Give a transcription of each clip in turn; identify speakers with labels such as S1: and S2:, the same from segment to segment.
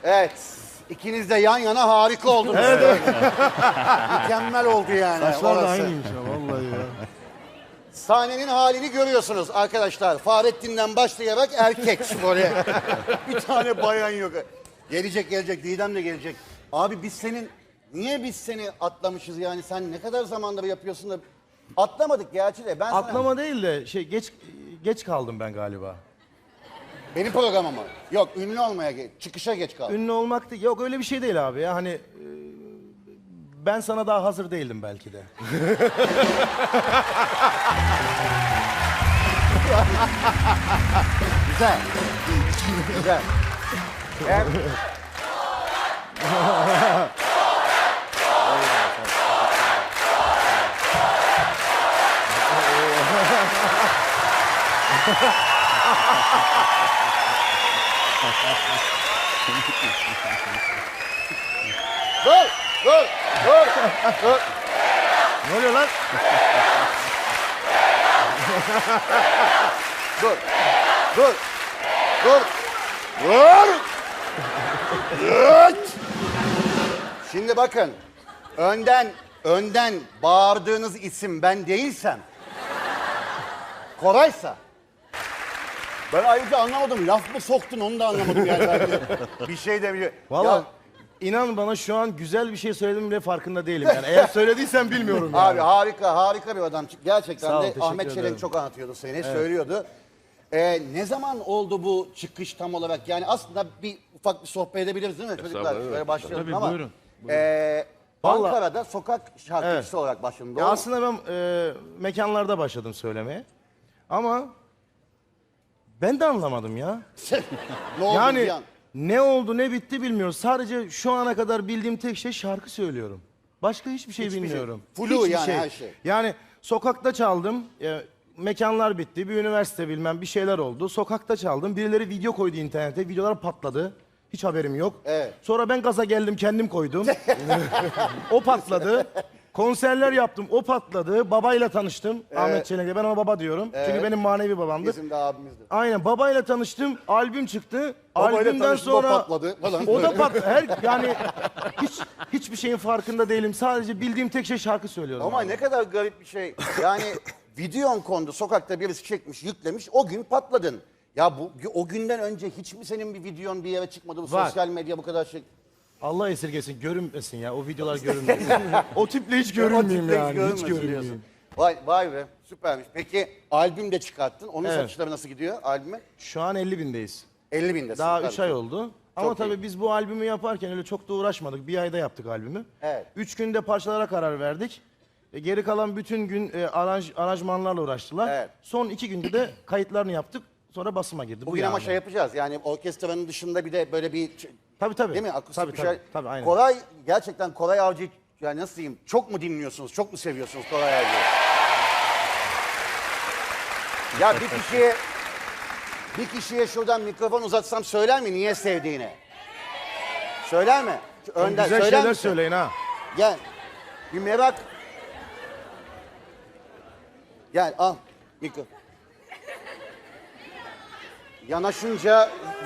S1: Evet. İkiniz de yan yana harika oldunuz. Evet. Mükemmel oldu yani.
S2: Saçlar da
S1: orası.
S2: aynıymış ya vallahi ya.
S1: Sahnenin halini görüyorsunuz arkadaşlar. Fahrettin'den başlayarak erkek böyle. Bir tane bayan yok. Gelecek. Didem de gelecek. Abi niye biz seni atlamışız yani? Sen ne kadar zamandır yapıyorsun da atlamadık gerçi de.
S2: Atlama değil de geç kaldım ben galiba.
S1: Benim programıma. Yok, ünlü olmaya çıkışa geç kaldım.
S2: Ünlü olmak değil. Yok öyle bir şey değil abi ya. Hani ben sana daha hazır değildim belki de.
S1: Güzel. Güzel. Dur.
S2: Ne oluyor lan?
S1: Dur. Şimdi bakın. Önden bağırdığınız isim ben değilsem, Koray'sa, ben ayrıca anlamadım. Laf mı soktun onu da anlamadım yani. Bir şey de biliyor.
S2: Vallahi inan bana şu an güzel bir şey söyledim bile farkında değilim yani. Eğer söylediysen bilmiyorum yani.
S1: Abi harika bir adam. Gerçekten
S2: Sağ ol,
S1: de
S2: teşekkür
S1: Ahmet Çelik
S2: ederim.
S1: çok anlatıyordu seni, söylüyordu. Ne zaman oldu bu çıkış tam olarak? Yani aslında ufak bir sohbet edebiliriz değil mi çocuklar? Böyle başlayalım
S3: Tabii,
S1: ama.
S3: buyurun.
S2: Vallahi-
S1: Ankara'da sokak şarkıcısı olarak başladım.
S2: Ya
S1: Doğru mu?
S2: aslında ben mekanlarda başladım söylemeye. Ama ben de anlamadım ya.
S1: Ne oldu bir
S2: Yani
S1: an?
S2: ne oldu ne bitti bilmiyoruz. Sadece şu ana kadar bildiğim tek şey şarkı söylüyorum. Başka hiçbir şey bilmiyorum.
S1: Flu
S2: Hiçbir
S1: yani her şey.
S2: Yani sokakta çaldım. Mekanlar bitti. Bir üniversite bilmem bir şeyler oldu. Sokakta çaldım. Birileri video koydu internete. Videolar patladı. Hiç haberim yok.
S1: Evet.
S2: Sonra ben gaza geldim kendim koydum. O patladı. Konserler yaptım. O patladı. Babayla tanıştım. Ahmet Çelenk'le. Ben ona baba diyorum. Çünkü benim manevi babamdır.
S1: Bizim de abimizdi.
S2: Aynen babayla tanıştım. Albüm çıktı.
S1: Babayla
S2: Albümden
S1: tanıştım, o
S2: sonra
S1: patladı falan.
S2: O da patladı. Yani hiçbir şeyin farkında değilim. Sadece bildiğim tek şey şarkı söylüyorum.
S1: Ama
S2: abi.
S1: ne kadar garip bir şey. Yani videon kondu, sokakta birisi çekmiş, yüklemiş. O gün patladın. Ya o günden önce hiç mi senin bir videon bir yere çıkmadı? Bu
S2: Var.
S1: sosyal medya bu kadar şey.
S2: Allah esirgesin. Görünmesin ya. O videolar görünmesin. O tiple hiç
S1: O
S2: görünmeyeyim
S1: tiple
S2: yani. Hiç
S1: görünmesin
S2: görünmeyeyim.
S1: diyorsun. Vay be, süpermiş. Peki albüm de çıkarttın. Onun satışları nasıl gidiyor albüme?
S2: Şu an 50 bindeyiz.
S1: 50 binde.
S2: Daha 3 ay oldu. Ama
S1: Çok
S2: tabii
S1: iyi.
S2: biz bu albümü yaparken öyle çok da uğraşmadık. Bir ayda yaptık albümü.
S1: Evet.
S2: 3 günde parçalara karar verdik. Geri kalan bütün gün aranjmanlarla uğraştılar.
S1: Evet.
S2: Son 2 günde de kayıtlarını yaptık. Sonra basıma girdi.
S1: Bugün
S2: Bu
S1: ama
S2: yani.
S1: şey yapacağız. Yani orkestranın dışında bir de böyle bir
S2: Tabii.
S1: değil mi? Akustik
S2: Tabii,
S1: bir şey.
S2: tabii, aynen.
S1: Koray gerçekten Koray Avcı yani nasıl diyeyim? Çok mu dinliyorsunuz? Çok mu seviyorsunuz Koray Avcı'yı? Ya bir kişiye şuradan mikrofon uzatsam söyler mi niye sevdiğini? Söyler mi? Önden
S2: Güzel
S1: söyler
S2: şeyler
S1: misin?
S2: söyleyin ha.
S1: Gel. Bir merak. Gel al mikrofon. Yanaşınca...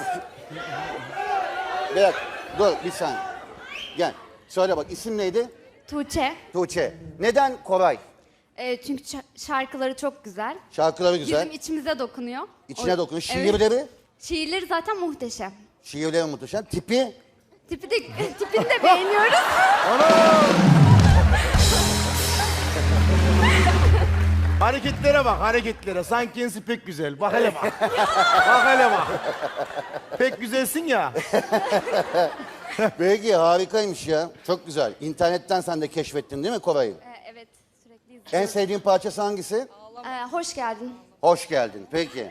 S1: Bir dakika, dur bir saniye. Gel. Söyle bak isim neydi?
S4: Tuğçe.
S1: Tuğçe. Neden Koray?
S4: Çünkü şarkıları çok güzel.
S1: Şarkıları güzel.
S4: Bizim içimize dokunuyor.
S1: İçine dokunuyor.
S4: Evet.
S1: Şiirleri?
S4: Şiirleri zaten muhteşem.
S1: Şiirleri muhteşem. Tipi?
S4: Tipini de beğeniyoruz.
S2: Hareketlere bak, hareketlere. Sanki kendisi pek güzel. Bak hele bak. Bak hele bak. Pek güzelsin ya.
S1: Peki harikaymış ya. Çok güzel. İnternetten sen de keşfettin değil mi Koray'ı?
S4: Evet, sürekli izliyoruz.
S1: En sevdiğin parçası hangisi?
S4: Hoş geldin.
S1: Hoş geldin. Peki.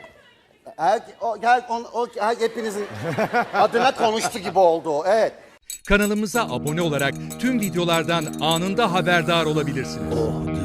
S1: Hepinizin adına konuştu gibi oldu o. Evet.
S5: Kanalımıza abone olarak tüm videolardan anında haberdar olabilirsiniz.